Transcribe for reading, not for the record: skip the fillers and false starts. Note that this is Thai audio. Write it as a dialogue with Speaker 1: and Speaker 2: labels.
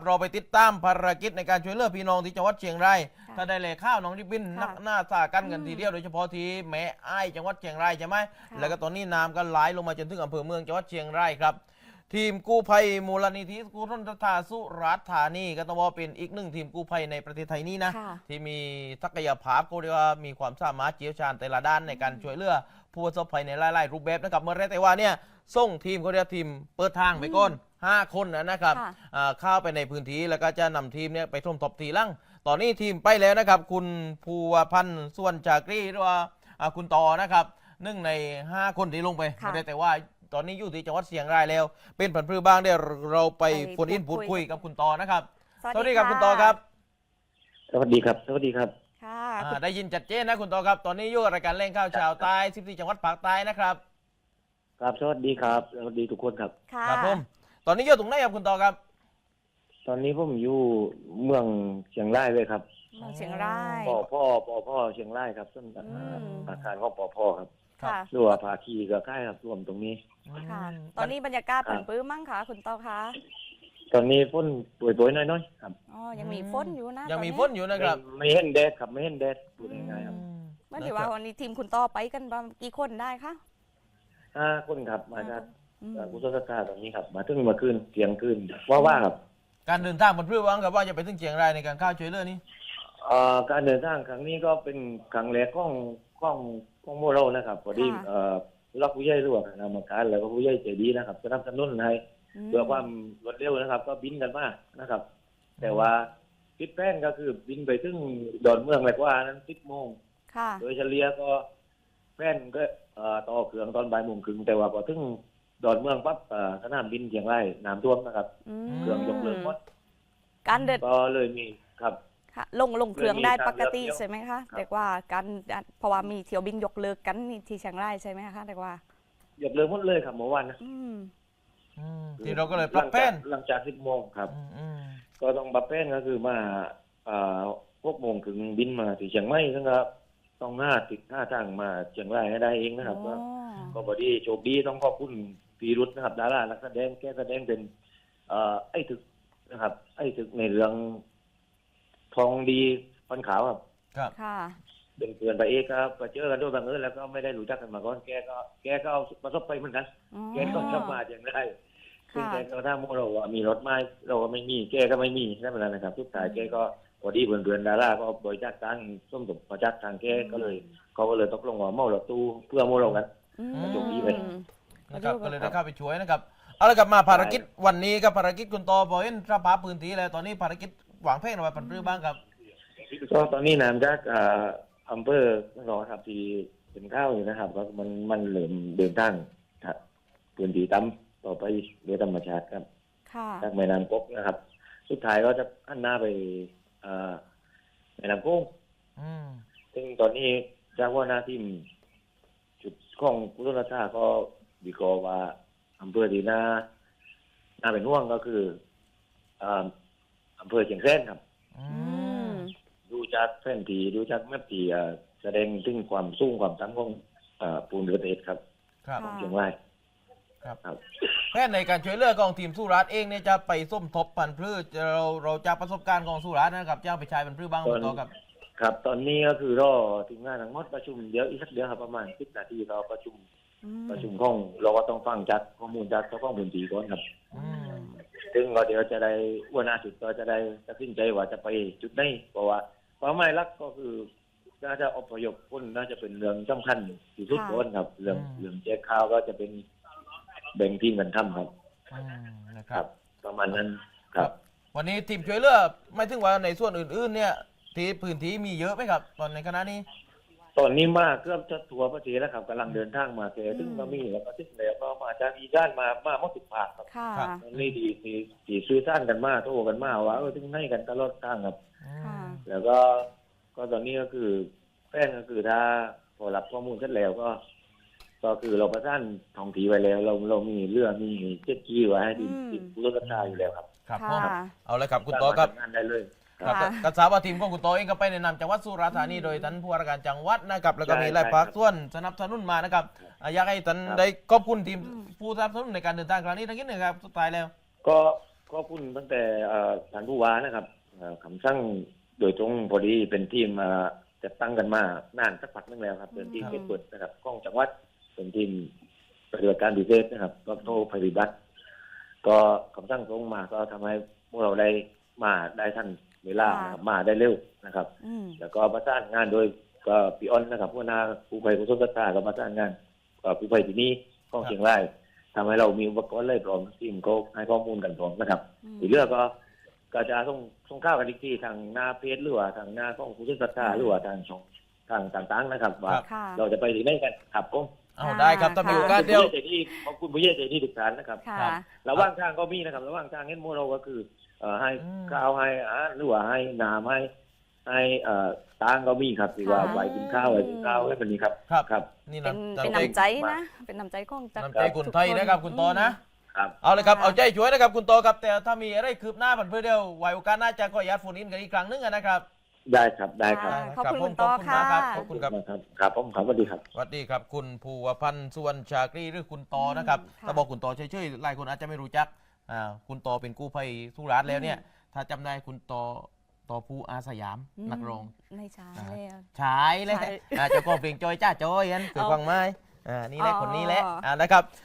Speaker 1: เราไปติดตามภารกิจในการช่วยเหลือพี่น้องที่จังหวัดเชียงรายถ้าได้เลยข้าวน้องริบบิ้นนักหน้าสากันกันทีเดียวโดยเฉพาะที่แม่อ้ายจังหวัดเชียงรายใช่ไหมแล้วก็ตอนนี้น้ำก็ไหลลงมาจนถึงอำเภอเมืองจังหวัดเชียงรายครับทีมกู้ภัยมูลนิธิกุศลศรัทธาสุราษฎร์ธานีก็ต้องว่าเป็นอีกหนึ่งทีมกู้ภัยในประเทศไทยนี้นะที่มีศักยภาพก็เรียกว่ามีความสามารถเชี่ยวชาญแต่ละด้านในการช่วยเหลือผู้ประสบภัยในหลายๆรูปแบบนะครับเมื่อไรแต่ว่าเนี่ยส่งทีมเขาเรียกทีมเปิดทางไปก่อน5 คนนะครับเข้าไปในพื้นที่แล้วก็จะนำทีมเนี่ยไปท่วมทบทีหลังตอนนี้ทีมไปแล้วนะครับคุณภูวพันธ์ส่วนจากรีหรือว่าคุณต่อนะครับ1 ใน 5 คนที่ลงไปไม่ได้แต่ว่าตอนนี้อยู่ที่จังหวัดเชียงรายแล้วเป็นผันพืชบ้างเดี๋ยวเราไปพูดคุยกับคุณต่อนะครับสวัสดีครับคุณต่อครับ
Speaker 2: สวัสดีครับสวัสดีครับ
Speaker 3: ค่ะ
Speaker 1: ได้ยินชัดเจนนะคุณต่อครับตอนนี้อยู่รายการเล่นข้าวชาวใต้14จังหวัดภาคใต้นะครับ
Speaker 2: ครับสวัสดีครับสวัสดีทุกคนครับ
Speaker 1: ครับผมตอนนี้อยู่ตรงไหนครับคุณต่อครับ
Speaker 2: ตอนนี้ผมอยู่เมืองเชียงรายเลยครับ
Speaker 3: เมืองเชียงราย
Speaker 2: พ่อเชียงรายครับซึ่งอาคารของพ่อครับรัวภาคีกับค่ายครับรวมตรงนี้
Speaker 3: ค่ะตอนนี้บรรยากาศผันปื้มมั้งคะคุณต่อคะ
Speaker 2: ตอนนี้ฝนโปรยๆน้อยๆครับ
Speaker 3: อ๋อยังมีฝนอยู่นะ
Speaker 1: ยังมีฝนอยู่นะครับ
Speaker 2: ไม่เห็นแดดครับไม่เห็นแดดพูดง่ายๆครับ
Speaker 3: เมื่อถือว่าวันนี้ทีมคุณต่อไปกันกี่คนได้คะ
Speaker 2: 5 คนครับมาจากกุศลศรัทธาตรงนี้ครับมาถึงเมื่อคืนเที่ยงคืนว่าครับ
Speaker 1: การเดินทางมันเพื่อวังกับว่าจะไปถึงเชียงรายในการเข้าช่วยเหลือนี้
Speaker 2: การเดินทางครั้งนี้ก็เป็นครั้งแรกของโมเรานะครับพอดีรักผู้ใหญ่ร่วมกรรมการแล้วก็ผู้ใหญ่ใจดีนะครับสนับสนุนให้เพื่อความรวดเร็วนะครับก็บินกันมานะครับแต่ว่าทิศแป้นก็คือบินไปถึงดอนเมืองเลยว่านั้น10 โมงโดยเฉลี่ยก็แป้นก็ต่อเครื่องตอนบ่าย 1 โมงแต่ว่าพอถึงดอนเมืองปั๊บสนามบินเชียงรายน้ำท่วมนะครับเครื่องยกเลิกหมด
Speaker 3: การเดิน
Speaker 2: ก็เลยมีครับ
Speaker 3: ลงเครื่องได้ปกติใช่ไหมคะเรียกว่าการเพราะว่ามีเที่ยวบินยกเลิกกันที่เชียงรายใช่ไหมคะเรียกว่
Speaker 2: ายกเลิกหมดเลยครับเมื่อวานนะ
Speaker 1: ที่เราก็เลยปรับแป้น
Speaker 2: หลังจาก10 โมงครับก็ต้องปรับแป้นก็คือมา6 โมงถึงบินมาที่เชียงใหม่นะครับต้องติดทางมาเชียงรายให้ได้เองนะครับก็พอดีโชคดีต้องขอบคุณพีรุธนะครับดารานักแสดงแกแสดงเป็นไอ้ถึกนะครับไอ้ถึกในเรื่องทองดีฟันขาวครับ
Speaker 3: ค่ะ
Speaker 2: เป็นเพื่อนไปเอกครับไปเจอกันด้วยบังเอิญแล้วก็ไม่ได้รู้จักกันมาก่อนแกก็เอาประสบไปเหมือนกันแกก็จะมาอย่างไรซึ่งแกก็ถ้าเราว่ามีรถไม้เราก็ไม่มีแกก็ไม่มีนั่นเป็นไรนะครับทุกสายแกก็พอดีเพื่อนดาราก็บริจาคตังค์ส้มตกประจักษ์ทางแกก็เลยเขาก็เลยตกลงว่าเมาหลอดตู้เพื่อโมเรากันจบดีไป
Speaker 1: นะครับก็เลยได้เข้าไปช่วยนะครับเอาละกลับมาภารกิจวันนี้กับภารกิจคุณต่อพอเห็นสภาพพื้นที่แล้วตอนนี้ภารกิจหวังเพ่งอะไรปันรื้อบ้างครับ
Speaker 2: ก็ตอนนี้น้ำจากอำเภอรอครับที่เป็นข้าวอยู่นะครับก็มันเริ่มเดินทางพื้นที่ต่ำต่อไปโดยธรรมชาติครับจากแม่น้ำกกนะครับสุดท้ายก็จะหันหน้าไปแม่น้ำโขงซึ่งตอนนี้จากว่าหน้าที่จุดของกุศลศรัทธาก็วิเคราะห์ว่าอำเภอที่น่าเป็นห่วงก็คืออำเภอเชียงแสนครับดูจากแผนที่ดูจากแมพที่แสดงถึงความสูงความต่ำของปูนเรือเอ็ดครับของเชียงราย
Speaker 1: ครับแค่ในการช่วยเหลือของทีมสุราษฎร์เองเนี่ยจะไปส้มทบพันธุ์พืชเราจากประสบการณ์ของสุราษฎร์นะครับจะไปใช้พันธุ์พืชบ้างต่อ
Speaker 2: ครับตอนนี้ก็คือรอทีมงานทั้งหมดประชุมเดี๋ยวอีกสักเดือนครับประมาณ10 นาทีเราประชุมของเราก็ต้องฟังจากข้อมูลจากเจ้าของพื้นที่ก่อนครับซึ่งก็เดี๋ยวจะได้วันอาทิตย์ก็จะได้ตัดสินใจว่าจะไปจุดไหนเพราะว่าเป้าหมายหลักก็คือน่าจะอพยพคนน่าจะเป็นเรื่องสำคัญที่สุดก่อนครับเรื่องแจกข้าวก็จะเป็นแบ่งทีมกันทำครับ
Speaker 1: นะครับ
Speaker 2: ประมาณนั้นครับ
Speaker 1: วันนี้ทีมช่วยเหลือไม่ถึงว่าในส่วนอื่นๆเนี่ยที่พื้นที่มีเยอะไหมครับตอนในคณะนี้
Speaker 2: ตอนนี้มากเกือบจะทัวร์ประเทศแล้วครับกำลังเดินทางมาเจอถึงมามีแล้วก็ถึงแล้วก็มาจากอีสานมาหมด10 ภาคครับนี่ดีซื้อท่านกันมาโทรกันมาว่าถึงให้กันตลอดทางครับแล้วก็ตอนนี้ก็คือแป้งก็คือถ้าพอรับข้อมูลเสร็จแล้วก็คือเราประสานท้องที่ไว้แล้วเรามีเรือมีเจ็ตกีไว้ให้ดินผู้รถราอยู่แล้วครับ
Speaker 1: ครับเอาเลยครับคุณโตครับ
Speaker 2: งานได้เลย
Speaker 1: กระสาวทีมของคุณโตเองก็ไปแนะนำจังหวัดสุราษฎร์ธานีโดยท่านผู้ว่าราชการจังหวัดนะครับแล้วก็มีหลายภาคส่วนสนับสนุนมานะครับอยากให้ท่านได้ขอบคุณทีมผู้สนับสนุนในการเดินทางครั้งนี้ทั้งนี้นะครับสุดท้ายแล้ว
Speaker 2: ก็ก็คุณตั้งแต่ท่านผู้ว่านะครับคำสั่งโดยตรงพอดีเป็นทีมจัดตั้งกันมานานสักพักนึงแล้วครับเป็นทีมเก็บเปิดนะครับกล้องจังหวัดเป็นทีมปฏิบัติการพิเศษนะครับก็โทรปฏิบัติก็คำสั่งตรงมาก็ทำให้พวกเราได้มาได้ทันเวลานะครับมาได้เร็วนะครับ แล้วก็ประสานงานโดยก็พี่อ้อนนะครับผู้นาผู้ภัยผู้สมศักดิ์ก็ประสานงานกับผู้ภัยที่นี่ของเชียงรายทำให้เรามีอุปกรณ์เลยพร้อมทีมก็ให้ข้อมูลกันพร้อมนะครับอีกเรื่องก็จะส่งข้าวกันอีกทีทางหน้าเพจหรือว่าทางหน้าของผู้สมศักดิ์หรือว่าทางช่องทางต่างๆนะครับว่า
Speaker 3: ค่ะ
Speaker 2: เราจะไปที่ไหนกันครับผม
Speaker 1: เอาได้ครับถ้ามีโอกาสเดียว
Speaker 2: ขอบคุณผู้ใหญ่ใจดีทุกท่านนะครับ
Speaker 3: ค่ะ
Speaker 2: ระหว่างทางก็มีนะครับระหว่างทางเห็นโมเราก็คือให้ข้าวให้อาหารหรือว่าให้น้ำให้ตังก็มีครับที่ว่า
Speaker 3: ค่ะ
Speaker 2: ไว้กินข้าวให้แบบนี้ครับ
Speaker 1: ครับ
Speaker 2: ครับ
Speaker 1: นี่
Speaker 3: เป็น
Speaker 1: น้ำ
Speaker 3: เป็น
Speaker 1: ใจ
Speaker 3: น้ำใจนะ เป็นน้ำใจของจาก
Speaker 1: น้ำใจคนไทยนะครับคุณโตนะ
Speaker 2: ครับ
Speaker 1: เอาเลยครับ
Speaker 3: ค่ะ
Speaker 1: เอาใจช่วยนะครับคุณโตครับแต่ถ้ามีอะไรคืบหน้าผันเพื่อเดียวไว้โอกาสหน้าจะขออนุญาตโฟนอินกันอีกครั้งหนึงนะครับ
Speaker 2: ได้ครับได้ครับ
Speaker 3: ขอบคุณ
Speaker 1: ผม
Speaker 3: คุณโต
Speaker 1: ขอบคุณมากครับ
Speaker 3: ค่ะ
Speaker 1: ขอบคุณครับ
Speaker 2: ครับผมครับสวัสดีครับ
Speaker 1: สวัสดีครับคุณภูวพันธ์สุวรรณชากรีหรือคุณโตนะครับ
Speaker 3: ค่ะ
Speaker 1: ถ้าบอกคุณโตเฉยๆหลายคนอาจจะไม่รู้จักคุณโตเป็นกู้ภัยสุราษฎร์แล้วเนี่ยถ้าจำได้คุณโตผู้อาสยามนักร้อง
Speaker 3: ไม่ใช่
Speaker 1: อ่า
Speaker 3: แล้ว
Speaker 1: ใช่เลย
Speaker 3: ใช่
Speaker 1: เจ้าของเพลงจอยจ้าจอยนั่นเคย
Speaker 3: เอา
Speaker 1: ฟังไหมนี่แหละ
Speaker 3: อ๋อ
Speaker 1: คนนี้แหละนะครับ